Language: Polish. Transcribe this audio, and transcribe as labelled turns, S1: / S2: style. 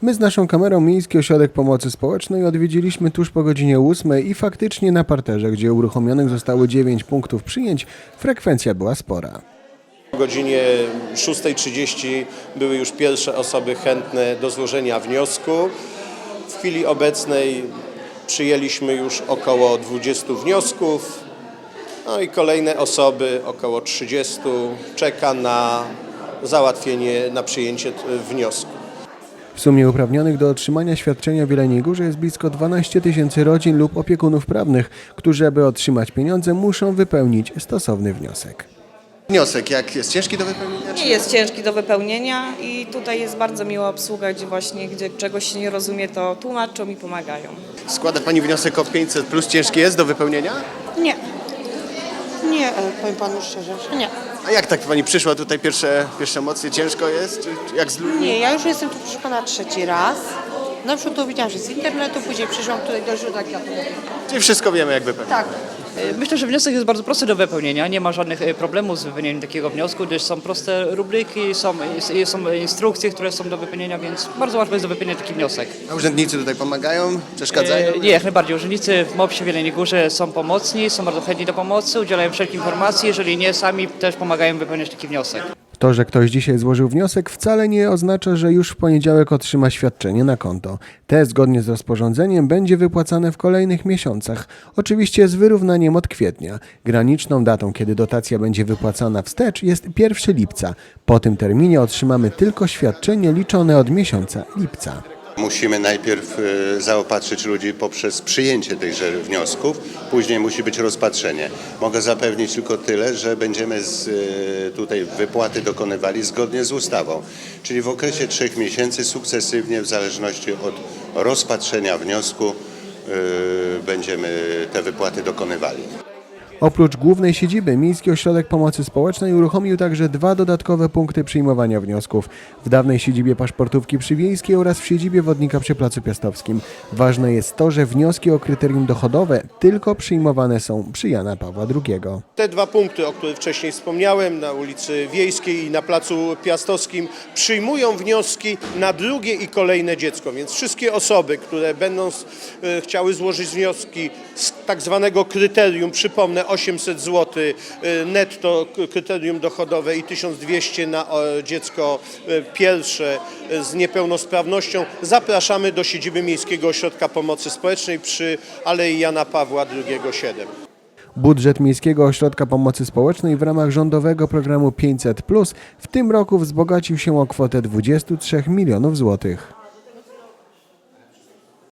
S1: My z naszą kamerą Miejski Ośrodek Pomocy Społecznej odwiedziliśmy tuż po godzinie 8 i faktycznie na parterze, gdzie uruchomionych zostało 9 punktów przyjęć, frekwencja była spora.
S2: O godzinie 6:30 były już pierwsze osoby chętne do złożenia wniosku. W chwili obecnej przyjęliśmy już około 20 wniosków, no i kolejne osoby, około 30, czeka na załatwienie, na przyjęcie wniosku.
S1: W sumie uprawnionych do otrzymania świadczenia w Jeleniej Górze jest blisko 12 000 rodzin lub opiekunów prawnych, którzy aby otrzymać pieniądze muszą wypełnić stosowny wniosek.
S3: Wniosek, jak jest ciężki do wypełnienia?
S4: Nie jest ciężki do wypełnienia i tutaj jest bardzo miła obsługa, gdzie czegoś się nie rozumie, to tłumaczą i pomagają.
S3: Składa Pani wniosek o 500 plus, ciężki jest do wypełnienia?
S5: Nie. Nie, powiem panu szczerze, że nie.
S3: A jak tak Pani przyszła tutaj pierwsze emocje? Ciężko jest? Czy jak z ludźmi?
S5: Nie, ja już jestem tu proszę pana 3. raz. Na przykład to widziałam, że z internetu, później przyszłam tutaj do źródła kwiatów.
S3: Czyli wszystko wiemy jak wypełnić.
S5: Tak.
S6: Myślę, że wniosek jest bardzo prosty do wypełnienia. Nie ma żadnych problemów z wypełnieniem takiego wniosku, gdyż są proste rubryki, są instrukcje, które są do wypełnienia, więc bardzo łatwo jest do wypełnienia taki wniosek.
S3: A urzędnicy tutaj pomagają? Przeszkadzają?
S6: Nie, jak najbardziej. Urzędnicy w MOPS-ie w Jeleniej Górze są pomocni, są bardzo chętni do pomocy, udzielają wszelkich informacji. Jeżeli nie, sami też pomagają wypełniać taki wniosek.
S1: To, że ktoś dzisiaj złożył wniosek, wcale nie oznacza, że już w poniedziałek otrzyma świadczenie na konto. Te, zgodnie z rozporządzeniem, będzie wypłacane w kolejnych miesiącach. Oczywiście z wyrównaniem od kwietnia. Graniczną datą, kiedy dotacja będzie wypłacana wstecz, jest 1 lipca. Po tym terminie otrzymamy tylko świadczenie liczone od miesiąca lipca.
S7: Musimy najpierw zaopatrzyć ludzi poprzez przyjęcie tychże wniosków, później musi być rozpatrzenie. Mogę zapewnić tylko tyle, że będziemy tutaj wypłaty dokonywali zgodnie z ustawą, czyli w okresie 3 miesięcy sukcesywnie w zależności od rozpatrzenia wniosku będziemy te wypłaty dokonywali.
S1: Oprócz głównej siedziby, Miejski Ośrodek Pomocy Społecznej uruchomił także 2 dodatkowe punkty przyjmowania wniosków. W dawnej siedzibie paszportówki przy Wiejskiej oraz w siedzibie Wodnika przy Placu Piastowskim. Ważne jest to, że wnioski o kryterium dochodowe tylko przyjmowane są przy Jana Pawła II.
S2: Te 2 punkty, o których wcześniej wspomniałem, na ulicy Wiejskiej i na Placu Piastowskim, przyjmują wnioski na drugie i kolejne dziecko, więc wszystkie osoby, które będą chciały złożyć wnioski z tak zwanego kryterium, przypomnę, 800 zł netto kryterium dochodowe i 1200 na dziecko pierwsze z niepełnosprawnością, zapraszamy do siedziby Miejskiego Ośrodka Pomocy Społecznej przy Alei Jana Pawła II 7.
S1: Budżet Miejskiego Ośrodka Pomocy Społecznej w ramach rządowego programu 500+ w tym roku wzbogacił się o kwotę 23 milionów złotych.